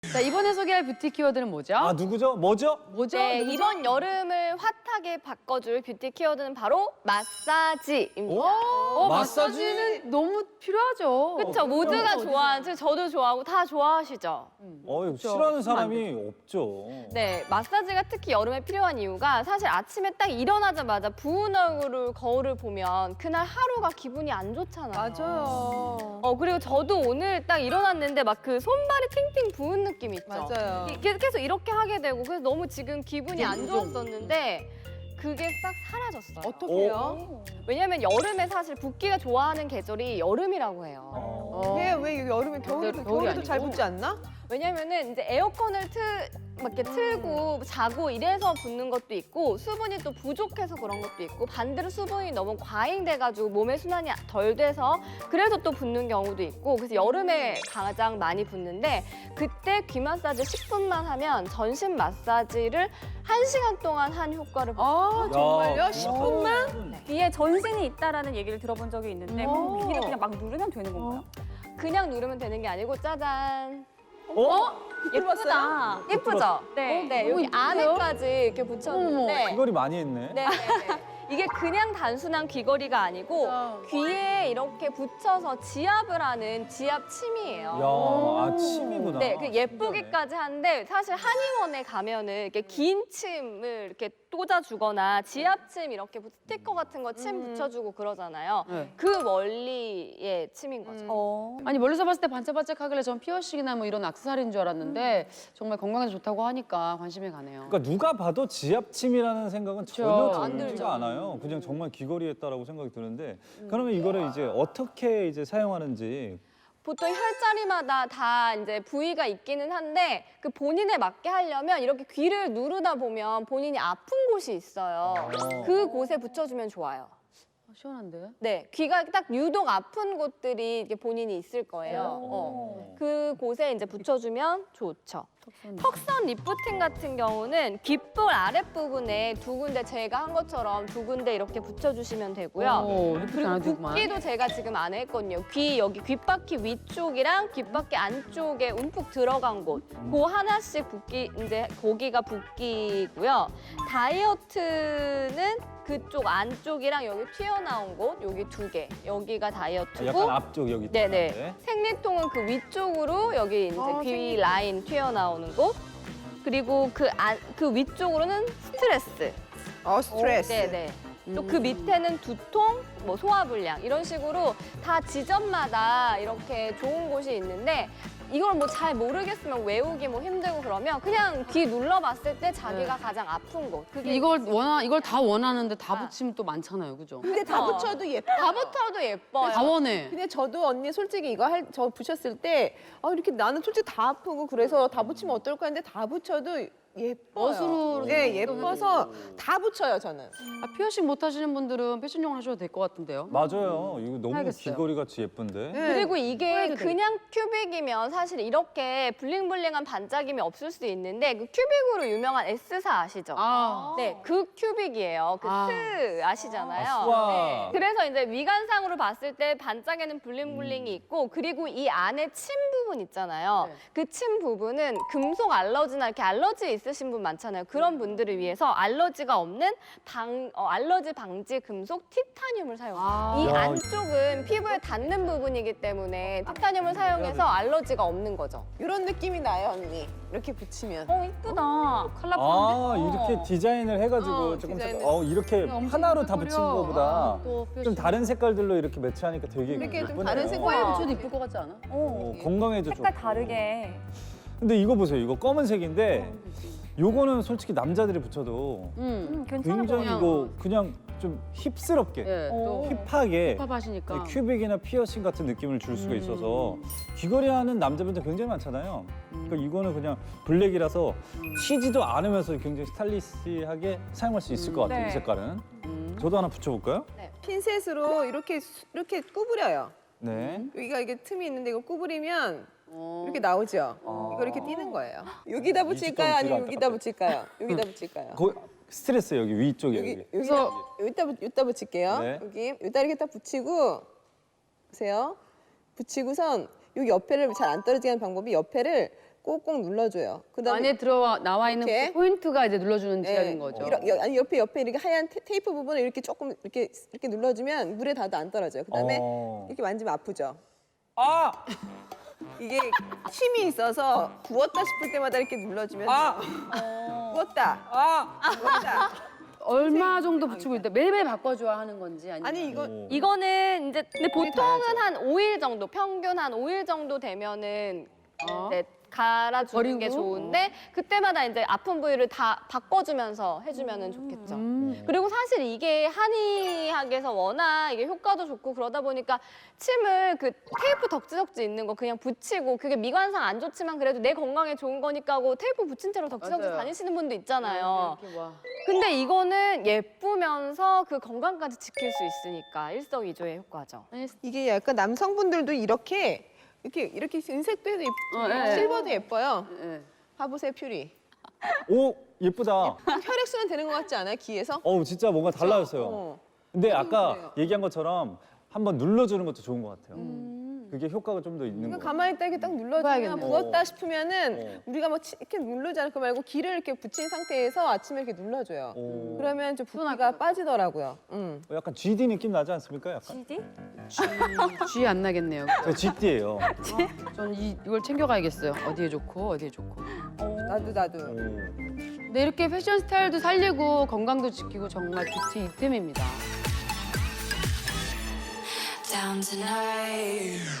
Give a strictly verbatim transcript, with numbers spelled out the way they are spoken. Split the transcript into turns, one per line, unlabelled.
자, 이번에 소개할 뷰티 키워드는 뭐죠?
아, 누구죠? 뭐죠?
뭐죠?
네,
누구죠?
이번 여름을 핫하게 바꿔줄 뷰티 키워드는 바로 마사지입니다.
어,
마사지?
마사지는 너무 필요하죠.
그렇죠. 모두가 좋아하는, 저도 좋아하고 다 좋아하시죠.
어, 이거
그쵸.
싫어하는
그러면
사람이 없죠.
네, 마사지가 특히 여름에 필요한 이유가 사실 아침에 딱 일어나자마자 부은 얼굴을 거울을 보면 그날 하루가 기분이 안 좋잖아요.
맞아요.
어, 그리고 저도 오늘 딱 일어났는데 막 그 손발이 팅팅 부은 느낌 있죠?
맞아요.
이게 계속 이렇게 하게 되고 그래서 너무 지금 기분이 안 좋았었는데 그게 싹 사라졌어요.
어떻게요?
왜냐면 여름에 사실 붓기가 좋아하는 계절이 여름이라고 해요.
어.
왜, 왜 여름에 겨울에도,
겨울이
겨울에도 잘
아니고?
붙지 않나?
왜냐면은 이제 에어컨을 틀, 막 이렇게 틀고 자고 이래서 붓는 것도 있고 수분이 또 부족해서 그런 것도 있고 반대로 수분이 너무 과잉돼가지고 몸의 순환이 덜 돼서 그래서 또 붓는 경우도 있고 그래서 여름에 가장 많이 붓는데 그때 귀 마사지 십 분만 하면 전신 마사지를 한 시간 동안 한 효과를 볼
아, 정말요?
야,
십 분만?
그만.
귀에 전신이 있다라는 얘기를 들어본 적이 있는데
오.
그럼 귀를 그냥 막 누르면 되는 건가요?
그냥 누르면 되는 게 아니고 짜잔.
어?
예쁘다.
예쁘죠?
네.
네,
너무
여기
이쁜데요?
안에까지 이렇게 붙였는데
귀걸이 많이 했네.
네, 네, 네. 이게 그냥 단순한 귀걸이가 아니고 귀에 이렇게 붙여서 지압을 하는 지압 침이에요.
야, 아, 침이구나.
네, 그 예쁘기까지 하는데 사실 한의원에 가면은 이렇게 긴 침을 이렇게 꽂아주거나 지압침 이렇게 스티커 같은 거 침 붙여주고 그러잖아요.
네.
그 원리의 침인 거죠.
어.
아니 멀리서 봤을 때 반짝반짝하길래 전 피어싱이나 뭐 이런 액세서리인 줄 알았는데 정말 건강에 좋다고 하니까 관심이 가네요.
그러니까 누가 봐도 지압침이라는 생각은 전혀
안
들죠.
들지가 않아요. 그냥 정말 귀걸이였다라고 생각이 드는데 그러면 이거를 이제 어떻게 이제 사용하는지
보통 혈자리마다 다 이제 부위가 있기는 한데 그 본인에 맞게 하려면 이렇게 귀를 누르다 보면 본인이 아픈 곳이 있어요. 그 곳에 붙여주면 좋아요.
아, 시원한데?
네, 귀가 딱 유독 아픈 곳들이 이렇게 본인이 있을 거예요. 어. 그 곳에 이제 붙여주면 좋죠. 턱선 리프팅 같은 경우는 귓볼 아랫부분에 두 군데 제가 한 것처럼 두 군데 이렇게 붙여주시면 되고요.
오, 리프팅
그리고
안 해도 되구만.
붓기도 제가 지금 안 했거든요. 귀 여기 귓바퀴 위쪽이랑 귓바퀴 안쪽에 움푹 들어간 곳, 그 하나씩 붓기 이제 거기가 붓기고요. 다이어트는 그쪽 안쪽이랑 여기 튀어나온 곳, 여기 두 개, 여기가 다이어트고.
약간 앞쪽 여기
네네.
있는데.
생리통은 그 위쪽으로 여기 이제
아,
귀
생리통.
라인 튀어나오는 곳. 그리고 그 안, 그 위쪽으로는 스트레스.
어, 스트레스.
네네. 또 그 밑에는 두통, 뭐 소화불량 이런 식으로 다 지점마다 이렇게 좋은 곳이 있는데 이걸 뭐 잘 모르겠으면 외우기 뭐 힘들고 그러면 그냥 귀 눌러봤을 때 자기가 가장 아픈 곳. 그게
이걸 원하 이걸 다 원하는데 다
아.
붙이면 또 많잖아요, 그죠?
근데 다
어.
붙여도 예뻐.
다 붙어도 예뻐요.
다 원해.
근데 저도 언니 솔직히 이거 할, 저 붙였을 때, 아, 이렇게 나는 솔직히 다 아프고 그래서 다 붙이면 어떨까 했는데 다 붙여도 예뻐요.
멋으로
네, 예뻐서 다 붙여요, 저는.
아, 피어싱 못 하시는 분들은 패션용으로 하셔도 될 것 같은데요.
맞아요. 이거 너무
알겠어요.
귀걸이 같이 예쁜데.
네.
그리고 이게
해도
그냥 큐빅이면 사실 이렇게 블링블링한 반짝임이 없을 수 있는데 그 큐빅으로 유명한 에스사 아시죠?
아,
네, 그 큐빅이에요. 그
아.
스 아시잖아요.
아, 스와.
네. 그래서 이제 위관상으로 봤을 때 반짝이는 블링블링이 있고 그리고 이 안에 침 부분 있잖아요.
네.
그 침 부분은 금속 알러지나 이렇게 알러지 있으신 분 많잖아요. 그런 분들을 위해서 알러지가 없는 방, 어, 알러지 방지 금속 티타늄을 사용해요.
아.
이
야,
안쪽은 피부에 닿는 부분이기 때문에 티타늄을 사용해서 알러지가 없는 거죠.
이런 느낌이 나요, 언니. 이렇게 붙이면.
어 이쁘다.
아, 이렇게 디자인을 해가지고
어,
조금
디자인을.
어, 이렇게
엄청
하나로 다
예쁠
붙인
거려.
거보다
아, 또
좀
피어싱.
다른 색깔들로 이렇게 매치하니까 되게
이렇게 좀
예쁘네요.
다른 색깔
코에
와.
붙여도 이쁠 것 같지 않아?
어.
어, 건강에도 좋고.
색깔 다르게.
근데 이거 보세요. 이거 검은색인데 요거는 솔직히 남자들이 붙여도
음.
음, 괜찮아
굉장히
보여.
이거 그냥 좀 힙스럽게
예, 또
힙하게
힙합 하시니까.
큐빅이나 피어싱 같은 느낌을 줄 수가 있어서 귀걸이 하는 남자분들 굉장히 많잖아요. 그러니까 이거는 그냥 블랙이라서 튀지도 않으면서 굉장히 스타일리시하게 사용할 수 있을 것 같아요.
네.
이 색깔은.
음.
저도 하나 붙여볼까요?
핀셋으로 이렇게, 수- 이렇게 구부려요.
네.
여기가 이게 틈이 있는데 이거 구부리면
어.
이렇게 나오죠.
아.
이거 이렇게 띄는 거예요. 여기다 붙일까요?
뒤가
아니면 여기다
안타깝다.
붙일까요? 여기다 붙일까요?
거 스트레스 여기 위쪽에
여기
여기.
여기다 여기다 붙- 여기다 붙일게요.
네.
여기 여기다 이렇게 딱 붙이고 보세요. 붙이고선 여기 옆에를 잘 안 떨어지게 하는 방법이 옆에를 꼭꼭 눌러줘요. 그다음에
안에 들어와 나와 있는
이렇게.
그 포인트가 이제 눌러주는
네,
지랄인 거죠.
이러- 여- 아니 옆에 옆에 이렇게 하얀 테, 테이프 부분을 이렇게 조금 이렇게 이렇게 눌러주면 물에 닿아도 안 떨어져요. 그다음에
어.
이렇게 만지면 아프죠.
아!
이게 힘이 있어서 부었다 싶을 때마다 이렇게 눌러주면
아!
부었다.
아!
부었다.
얼마 정도 붙이고 있다? 매일매일 바꿔줘야 하는 건지 아니면
아니 이거
오.
이거는 이제 근데
물이
보통은
닿아야죠.
한 오 일 정도, 평균 한 오 일 정도 되면은
어?
이제 갈아주는 게
버리고?
좋은데 그때마다 이제 아픈 부위를 다 바꿔주면서 해주면은 좋겠죠.
음.
그리고 사실 이게 한의학에서 워낙 이게 효과도 좋고 그러다 보니까 침을 그 테이프 덕지덕지 있는 거 그냥 붙이고 그게 미관상 안 좋지만 그래도 내 건강에 좋은 거니까 하고 테이프 붙인 채로 덕지덕지
맞아요.
다니시는 분도 있잖아요.
이렇게 와.
근데 이거는 예쁘면서 그 건강까지 지킬 수 있으니까 일석이조의 효과죠.
이게 약간 남성분들도 이렇게 이렇게 이렇게 은색도 해도 예쁘고
어, 예, 예.
실버도 예뻐요.
예.
봐보세요 퓨리.
오, 예쁘다.
혈액순환 되는 것 같지 않아요? 귀에서?
어우, 진짜 뭔가 달라졌어요.
어.
근데 아까
그래요.
얘기한 것처럼 한번 눌러주는 것도 좋은 것 같아요.
음.
그게 효과가 좀 더 있는
그러니까
거 같아요.
가만히 있다 이렇게 딱 눌러주면
해봐야겠네.
부었다 싶으면은
어.
우리가 뭐 치- 이렇게 누르지 않을 거 말고 기를 이렇게 붙인 상태에서 아침에 이렇게 눌러줘요.
오.
그러면 좀 붓기가 빠지더라고요. 음.
어, 약간 지디 느낌 나지 않습니까? 약간.
지디?
쥐 안 나겠네요.
저 지디예요.
전 이, 이걸 챙겨가야겠어요. 어디에 좋고 어디에 좋고.
나도 나도.
오.
네, 이렇게 패션 스타일도 살리고 건강도 지키고 정말 뷰티 이템입니다.
down tonight.